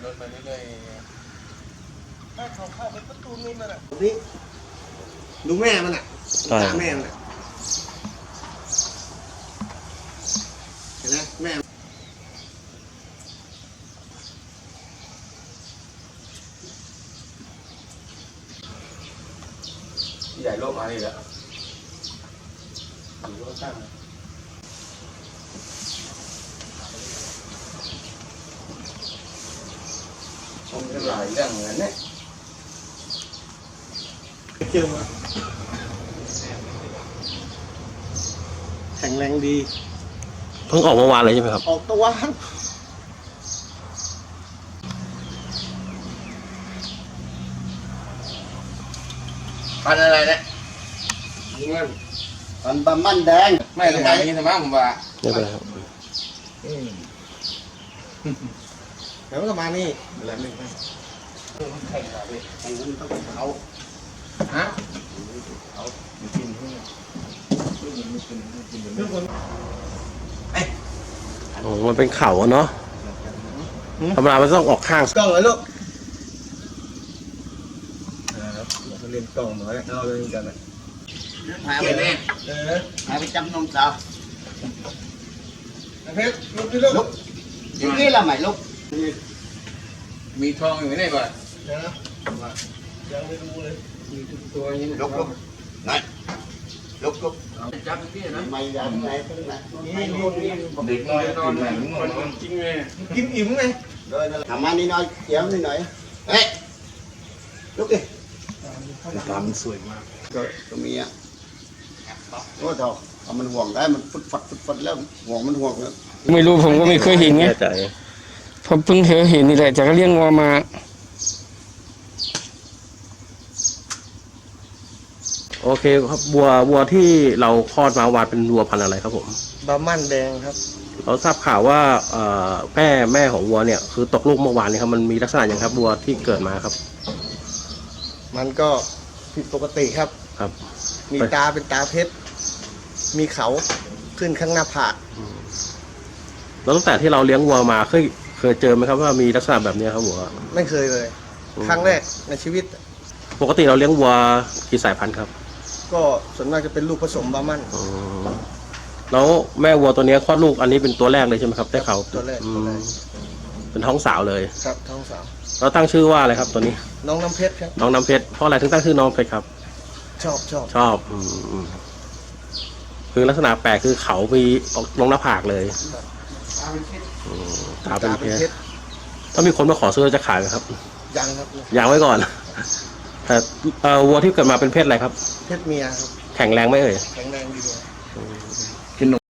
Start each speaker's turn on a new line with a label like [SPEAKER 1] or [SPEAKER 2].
[SPEAKER 1] นไปเรื่อยๆถ้าเขาเข้าไปประตูนู้นนั่นแหละ
[SPEAKER 2] นี่ดูแม่มันอ่ะตาแม่มันอ่ะเห็นไหมแม่
[SPEAKER 1] ใหญ่โลกมานี่แหละอยู่ก็ตั้งชมกันหลายเรื่องเหมือนเนี่ย
[SPEAKER 2] เจอมาแข็งแรงดี
[SPEAKER 3] เพิ่งออกเมื่อวานเลยใช่ไหมครับ
[SPEAKER 2] ออกตัว
[SPEAKER 1] พันอะไรเนี่ยเงิน
[SPEAKER 2] ปันบะมันแดง
[SPEAKER 1] ไม่สมัยนี้สมัยผมว่า
[SPEAKER 3] ไม่เป็นไรครับ
[SPEAKER 2] เดี๋ยวก็มานี่อะไรไม่ไป
[SPEAKER 1] แข่งกันเลย
[SPEAKER 2] แข่งมันต้องเป็นเขา
[SPEAKER 1] ฮะ
[SPEAKER 2] เขากินเพื่อนเพื่อนคน
[SPEAKER 3] โอ้มันเป็นเข่าเนาะธรรมดามันต้องออกข้าง
[SPEAKER 2] กล้องเลยลูกเราเล่นกล้องหน่อยเอาเลยกันเลย
[SPEAKER 1] หายไปไหน
[SPEAKER 2] หายไปจำนมสาวเพชรลุกดิลูกยุกี้ละไหมลูก
[SPEAKER 1] มีทองอยู่ไหนก่อน
[SPEAKER 2] นะยังไม่รู้เลย
[SPEAKER 1] มีตัวนี้
[SPEAKER 2] ลุกไหนลุก
[SPEAKER 1] จับที่นะ
[SPEAKER 2] ไม่ยังไงทั้งนั้นนี่
[SPEAKER 1] เด็กน้อยนอนไหนมันกินไง
[SPEAKER 2] กินอิ่มไงทำมานี่น้อยเจียวนี่หน่อยเฮ้ยลุกดิ
[SPEAKER 3] ตามันสวยมาก
[SPEAKER 2] ก็มีอ่ะโอ้เถอะเอามันห่วงได้มันฟุดฟัดแล้วห่วงมันห่วงแล้ว
[SPEAKER 4] ไม่รู้ผมก็ไม่เคยเห็นไงผมเพิ่งเห็นนี่แหละจากเลี้ยงวัวมา
[SPEAKER 3] โอเคครับวัวที่เราคลอดมาวานเป็นวัวพันธุ์อะไรครับผม
[SPEAKER 2] บะมั่นแดงครับ
[SPEAKER 3] เราทราบข่าวว่าแม่ของวัวเนี่ยคือตกลูกเมื่อวานนี้ครับมันมีลักษณะอย่างครับวัวที่เกิดมาครับ
[SPEAKER 2] มันก็ผิดปกติครับมีตาเป็นตาเพชรมีเขาขึ้นข้างหน้าผาก
[SPEAKER 3] แล้วตั้งแต่ที่เราเลี้ยงวัวมาเคยเจอไหมครับว่ามีลักษณะแบบนี้ครับวัว
[SPEAKER 2] ไม่เคยเลยครั้งแรกในชีวิต
[SPEAKER 3] ปกติเราเลี้ยงวัวกี่สายพันธุ์ครับ
[SPEAKER 2] ก็ส่วนมากจะเป็นลูกผสมบามั่น
[SPEAKER 3] แล้วแม่วัวตัวนี้คลอดลูกอันนี้เป็นตัวแรกเลยใช่ไหมครับได้เขา
[SPEAKER 2] ตัวแรก
[SPEAKER 3] เป็นท้องสาวเลย
[SPEAKER 2] ครับท้องสาว
[SPEAKER 3] เราตั้งชื่อว่าอะไรครับตัวนี้
[SPEAKER 2] น้องน้ำเพชรครับ
[SPEAKER 3] น้องน้ำเพชรเพราะอะไรถึงตั้งชื่อน้องเพชรครับ
[SPEAKER 2] ชอบ
[SPEAKER 3] คือลักษณะแปลกคือเขามีลงหน้าผากเลยตาเป็นเพชรถ้ามีคนมาขอซื้อจะขายไหมครับ
[SPEAKER 2] ยังครับ
[SPEAKER 3] ยังไว้ก่อนแต่วัวที่เกิดมาเป็นเพศอะไรครับ
[SPEAKER 2] เพศเมียครับ
[SPEAKER 3] แข็งแรงไหมเอ่ย
[SPEAKER 2] แข็งแรงดี